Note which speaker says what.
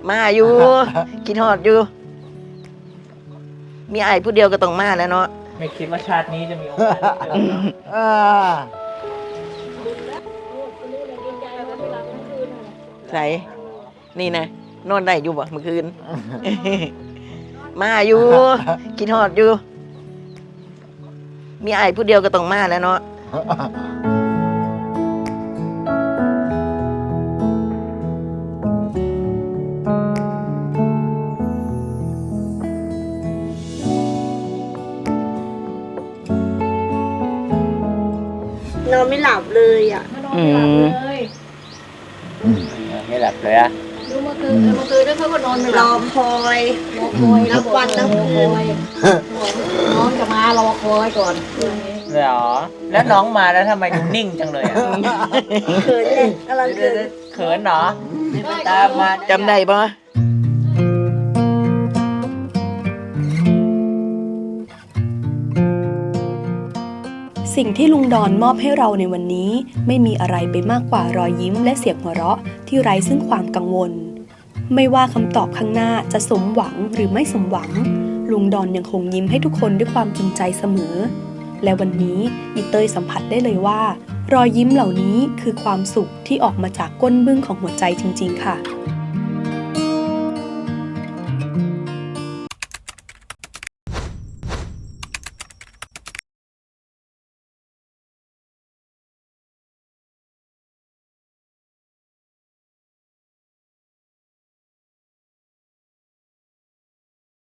Speaker 1: มาอยู่กินฮอดอยู่มีไอ้ผู้เดียวก็ต้องมาแล้วเนาะ
Speaker 2: ไม่คิดว่าชาตินี้จะมีโอกาสได้เจอเนาะ
Speaker 1: ใส่นี่นะนอนได้อยู่บ่เมื่อคืน มาอยู่กินฮอดอยู่มีไอ้ผู้เดียวก็ต้องมาแล้วเนาะ
Speaker 3: นอนไม่หลับเลยอ่ะ
Speaker 2: ไม่หลับเลยอะ
Speaker 4: ดูเมื่อคืนแล้วเขาก็นอนไม่ห
Speaker 3: ร
Speaker 4: ลั
Speaker 3: อบ คอยนับวันนับคืน
Speaker 4: น้องจะมารอคอยก่อน
Speaker 2: เหรอแล้วน้องมาแล้วทำไมดูนิ่งจังเลยอะ
Speaker 3: เขินเนี่ยกำลังเขิน
Speaker 2: เขินเหรอตามมา
Speaker 1: จำได้ปะ
Speaker 5: สิ่งที่ลุงดอนมอบให้เราในวันนี้ไม่มีอะไรไปมากกว่ารอยยิ้มและเสียงหัวเราะที่ไร้ซึ่งความกังวลไม่ว่าคำตอบข้างหน้าจะสมหวังหรือไม่สมหวังลุงดอนยังคงยิ้มให้ทุกคนด้วยความจริงใจเสมอและวันนี้อีเตยสัมผัสได้เลยว่ารอยยิ้มเหล่านี้คือความสุขที่ออกมาจากก้นบึ้งของหัวใจจริงๆค่ะ